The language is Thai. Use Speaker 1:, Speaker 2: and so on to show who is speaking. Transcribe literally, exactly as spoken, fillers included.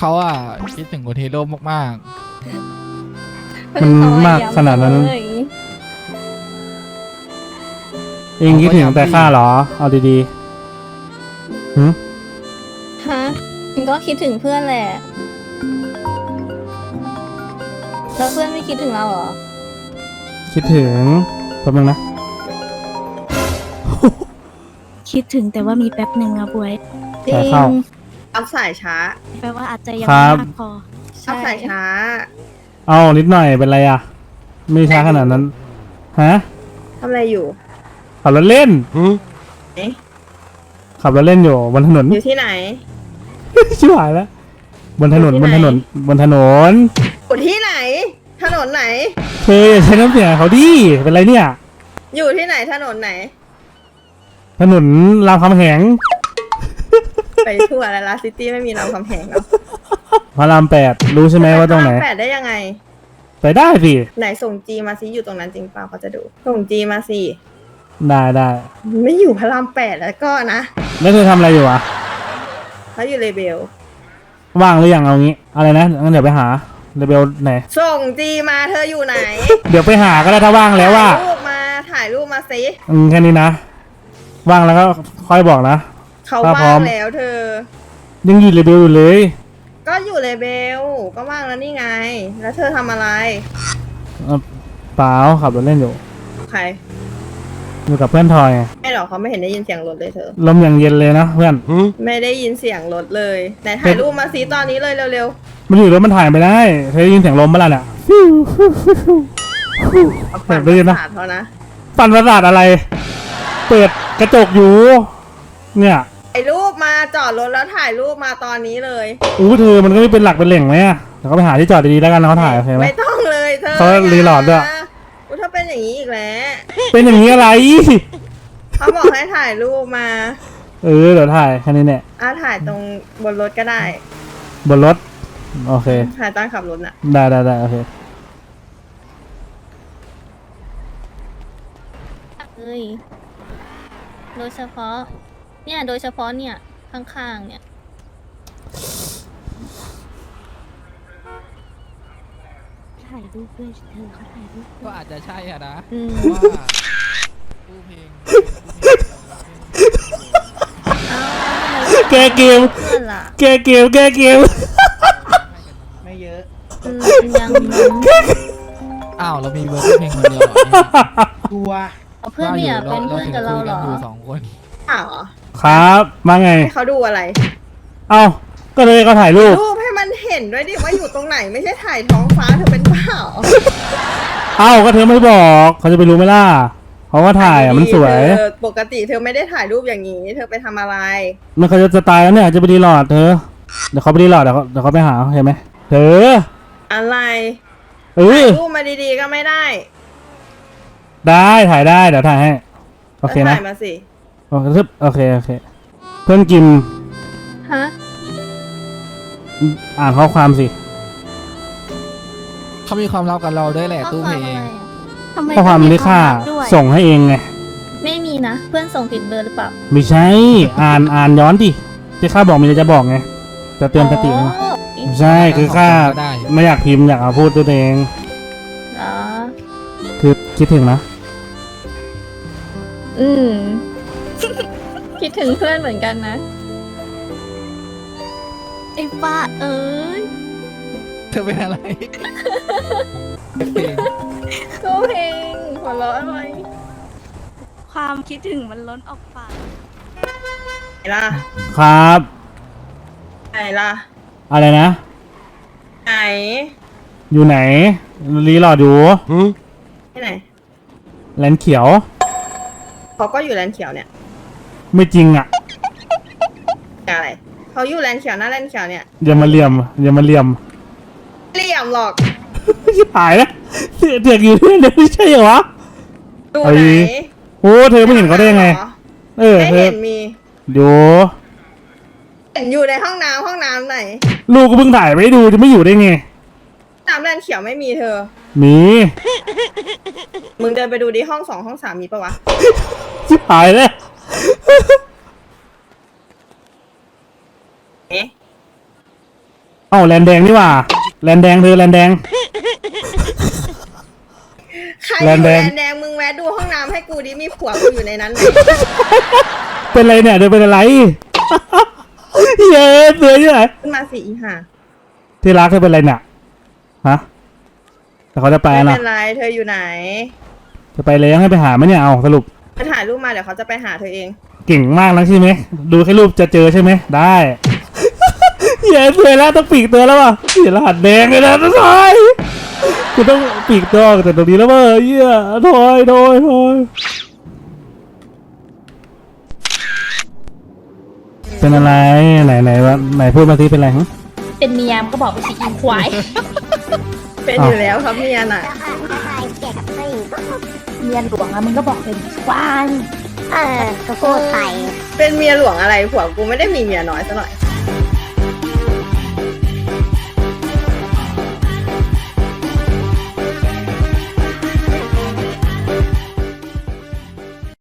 Speaker 1: เขาอะคิดถึงคุณฮีโร่มาก
Speaker 2: มันมากขนาดนั้นเองคิดถึงแต่ข้าเหรอเอาดีๆหืม
Speaker 3: ฮะมันก็คิดถึงเพื่อนแหละแล้วเพื่อนไม่คิดถึงเราเหรอ
Speaker 2: คิดถึงแป๊บนึงนะ
Speaker 4: คิดถึงแต่ว่ามีแป๊บหนึ่งอะบวย
Speaker 3: จริ
Speaker 2: สาย
Speaker 3: ง
Speaker 2: เข้า
Speaker 5: รับสายช้า
Speaker 4: แปลว่าอาจจะยัง
Speaker 2: ครั
Speaker 4: ไม่
Speaker 2: บ
Speaker 4: มากพอ
Speaker 5: รับ
Speaker 3: ใช่
Speaker 5: สายช้า
Speaker 2: เอานิดหน่อยเป็นไรอ่ะ ไม่ช้าขนาดนั้นฮะ
Speaker 5: ทำอะไรอยู่
Speaker 2: ขับรถเล่น
Speaker 5: เอ๊ะ
Speaker 2: ขับรถเล่นอยู่บนถนน
Speaker 5: อยู่ที่ไหน
Speaker 2: ชิบหายแล้วบนถนน
Speaker 5: อยู่
Speaker 2: บ
Speaker 5: ที่
Speaker 2: น
Speaker 5: ไหน
Speaker 2: ถนนบนถนน
Speaker 5: อยู่ที่ไหน ถนนไหน
Speaker 2: เธออย่าใช้น้ำเสียงเขาดิเป็นไรเนี่ย
Speaker 5: อยู่ที่ไหนถนนไหน
Speaker 2: ถนนรามคำแหง
Speaker 5: ไปทั่วแล้วลาซิตี้ไม่มีรามคำแหงแล้ว
Speaker 2: พระรามแปดรู้ใช่ไหมว่าตรงไหน
Speaker 5: แปดได้ยังไง
Speaker 2: ไปได้สิ
Speaker 5: ไหนส่งจีมาซิอยู่ตรงนั้นจริงเปล่าเขาจะดู ส่งจีมาสิ
Speaker 2: ได้ได้
Speaker 5: ไม่อยู่พระรามแปดแล้วก็นะ
Speaker 2: แล้วเธอทำอะไรอยู่อ่ะ
Speaker 5: เขาอยู่เลเบล
Speaker 2: ว่างหรือยังเอางี้อะไรนะงั้นเดี๋ยวไปหาเรเบลไหน
Speaker 5: ส่งจีมาเธออยู่ไหน
Speaker 2: เดี๋ยวไปหาก็ได้ถ้าว่างแล้วว่า
Speaker 5: ถ่ายรูปมาถ่ายรูปมาสิ
Speaker 2: อืมแค่นี้นะ ว่างแล้วก็ค่อยบอกนะ
Speaker 5: เขา
Speaker 2: ถ้าพร้
Speaker 5: ว่า
Speaker 2: อม
Speaker 5: งแล้วเธอ
Speaker 2: ยังอยู่เรเบลอยู่เลย
Speaker 5: ก็อยู่เลเบล ก็ว่างแล้วนี่ไง แล้วเธอทำอะไร
Speaker 2: เอ่อเปล่าขับรถเล่นอยู่
Speaker 5: ใคร
Speaker 2: อยู่กับเพื่อนทอยไง
Speaker 5: ไม่หรอกเขาไม่เห็นได้ยินเสียงรถเลยเธอ
Speaker 2: ลมอย่างเย็นเลยนะเพื่อน
Speaker 5: ไม่ได้ยินเสียงรถเลยไหนถ่ายรูปมาสิตอนนี้เลยเร็ว
Speaker 2: มันอยู่รถมันถ่ายไปได้เธอได้ยินเสียงลมบ้างล่ะเนี่ย
Speaker 5: ๆเอาปั่น
Speaker 2: ได้ยิน
Speaker 5: ป
Speaker 2: นะ
Speaker 5: ระสาทเขานะ
Speaker 2: ปั่นประสาทอะไร เปิดกระจกอยู่ เนี่ย
Speaker 5: ไอ้รูปมาจอดรถแล้วถ่ายรูปมาตอนนี้เลย
Speaker 2: อู้เธอมันก็ไม่เป็นหลักเป็นแหล่งไหมอะเดี๋ยวเขาไปหาที่จอดดีๆแล้วกันนะเขาถ่ายโอเคไหม
Speaker 5: ไม่ต้องเลยเธอ
Speaker 2: เขารีโหลดด้วย
Speaker 5: กูถ้าเป็นอย่างนี้อีกแล้ว
Speaker 2: เป็นอย่างนี้อะไร
Speaker 5: เขาบอกให้ถ่ายรูปมา
Speaker 2: เออเดี๋ยวถ่ายแค่นี้เนี่ย
Speaker 5: อ่ะถ่ายตรงบนรถก็ได้
Speaker 2: บนรถโอเค
Speaker 5: ถ่ายตอนขับรถน่ะ
Speaker 2: ได้ได้ได้โอเค
Speaker 3: เอ้ยโดยเฉพาะ เนี่ยโดยเฉพาะเนี่ยข้างๆเนี่ย
Speaker 4: ถ่ายรูปด้วยเธอเขาถ่ายรูป
Speaker 1: ๆ ก็อาจจะใช่อะนะ
Speaker 3: อืม
Speaker 1: เพราะว่าตู้เพลง
Speaker 2: แกเกม
Speaker 3: เพื่อนล่ะ
Speaker 2: แกเกมแกเกม
Speaker 1: ไม่เยอะ
Speaker 3: อืมยังมั้ง
Speaker 1: อ้าวเรามีเบอร์ตู้เพลงคนเดียวเหรอเนี่ย
Speaker 6: ตัว
Speaker 3: เอาเพื่อนไม่อยากเป็นเพื่อนกับเราเหรอ
Speaker 1: อยู่สองคน
Speaker 5: อ้าวเหรอ
Speaker 2: ครับมาไง
Speaker 5: ให้เขาดูอะไร
Speaker 2: เอ้าก็เลยเขาถ่ายรูป
Speaker 5: รูปให้มันเห็นด้วยดิว่าอยู่ตรงไหนไม่ใช่ถ่ายท้องฟ้าเธอเป็นเปล่า
Speaker 2: เอ้าก็เธอไม่บอกเขาจะไปรู้ไหมล่ะเขาก็ถ่ายอ่ะมันสวย
Speaker 5: เธอปกติเธอไม่ได้ถ่ายรูปอย่างนี้ เธอไปทำอะไร
Speaker 2: มันเขาจะตายแล้วเนี่ยจะไปรีโหลดเธอเดี๋ยวเขาไปรีโหลดเดี๋ยวเขาเดี๋ยวเขาไปหาเห็นไหมเธอ
Speaker 5: อะไร
Speaker 2: เออ
Speaker 5: รูปมาดีๆก็ไม่ได้
Speaker 2: ได้ถ่ายได้เดี๋ยวถ่ายให้โอเค
Speaker 5: แล้ว
Speaker 2: นะ
Speaker 5: ถ่ายมาสิ
Speaker 2: โอเคโอเคโอเคเพื่อนกิม
Speaker 3: ฮะ
Speaker 2: อ่านข้อความสิ
Speaker 1: เขามีความลับกับเราด้วยแหละ
Speaker 3: ข้อ
Speaker 1: ตู้
Speaker 3: ค
Speaker 1: เพ
Speaker 3: วาม
Speaker 1: ล
Speaker 3: อะไร
Speaker 1: ง
Speaker 3: อะ
Speaker 4: ทำไม
Speaker 2: ข้อความ
Speaker 4: ต้อง
Speaker 2: ที่ค่า
Speaker 4: ลับด้วย
Speaker 2: ส่งให้เองไง
Speaker 3: ไม่มีนะ เพื่อนส่งผิดเบอร์หรือเปล่า
Speaker 2: ไม่ใช่อ่านอ่านย้อนดิที่ข้าบอกมีอะไรจะบอกไงจะเตือนสติไง
Speaker 3: อ๋อ
Speaker 2: ไม่ใช่คือข้า
Speaker 1: ได้
Speaker 2: ไม่อยากพิมพ์อยากเอาพูดตัวเอง
Speaker 3: อ๋อ
Speaker 2: คือคิดถึงนะ
Speaker 3: อืม คิดถึงเพื่อนเหมือนกันนะ
Speaker 4: ไอ้ป้าเอ้ย
Speaker 1: เธอเป็นอะไรเพลง
Speaker 3: ก็เพลงหัวเราะอะไร
Speaker 4: ความคิดถึงมันล้นออกปาก
Speaker 5: ไหนล่ะ
Speaker 2: ครับ
Speaker 5: ไหนล่ะ
Speaker 2: อะไรนะ
Speaker 5: ไหน
Speaker 2: อยู่ไหนรีโหลดอยู่
Speaker 5: ที่ไหน
Speaker 2: แลนด์เขียว
Speaker 5: เขาก็อยู่แลนด์เขียวเนี่ย
Speaker 2: ไม่จริงอ่ะ
Speaker 5: อะไรเขาอยู่แลนด์เขียวหน้าแลนด์เขียวเนี่ย
Speaker 2: อย่ามาเหลี่ยมอย่ามาเหลี่ยม
Speaker 5: เหลี่ยมหรอก
Speaker 2: หายแล้วเสือกเสือกอยู่ที่เดียวไม่ใช่เหรอวะ
Speaker 5: ดู
Speaker 2: เอา
Speaker 5: ไหน
Speaker 2: ดี โอ้เธอไม่เห็นเขาได้ยังไง
Speaker 5: หรอ
Speaker 2: เออ
Speaker 5: ไม่
Speaker 2: เธอ
Speaker 5: เห็นมี
Speaker 2: อยู่
Speaker 5: เห็นอยู่ในห้องน้ำห้องน้ำไหน
Speaker 2: ลูกก็เพิ่งถ่ายไปให้ดูจะไม่อยู่ได้ไง
Speaker 5: น้ำแลนด์เขียวไม่มีเธอ
Speaker 2: มี
Speaker 5: มึงเดินไปดูดิห้องสองห้องสามมีปะวะ
Speaker 2: ชิบหายแล้ว
Speaker 5: เอ๊ะ
Speaker 2: เอ้าแลนแดงนี่หว่าแลนแดงเธอแลนแดง
Speaker 5: ใครอ
Speaker 2: แลน
Speaker 5: ยู่
Speaker 2: แด
Speaker 5: แล
Speaker 2: ง
Speaker 5: นแดงมึงแวะดูห้องน้ำให้กูดิมีผัวกูอยู่ในนั้นไหม
Speaker 2: เป็นไรเนี่ยเธอเป็นอะไร เย้เสือยังไง
Speaker 5: ขึ้นมาสิอีห่า
Speaker 2: ที่รักเธอเป็นไรเนี่ยฮะแต่เขาจะไป
Speaker 5: ไม่
Speaker 2: นะ
Speaker 5: เป็นไรเธออยู่ไหน
Speaker 2: จะไปเลยให้ไปหาไหมเนี่ยเอาสรุป
Speaker 5: เธอถ่ายรูปมาเดี๋ยวเขาจะไปหาเธอเอง
Speaker 2: เก่งมากนะใช่ไหมดูแค่รูปจะเจอใช่ไหมได้ เย้เสือแล้วต้องปีกตัวแล้วว่ะเสียรหัสแดงเลยนะทุกทอยกูต้องปีกตัวออกจากตรงนี้แล้วเว้ยเหี้ยถอยถอยถอยเป็นอะไรไหนไหนวะไหนพูดมาสิเป็นอะไรฮะ
Speaker 3: เป็นเมียมก็บอกไปสิอีควาย
Speaker 5: เป็นอยู่แล้วครับเมียน่ะ
Speaker 3: เมียหลวงอะมึงก็บอกเป็นควาย
Speaker 4: เออก็พูดไป
Speaker 5: เป็นเมียหลวงอะไรผัวกูไม่ได้มีเมียน้อยซะหน่อย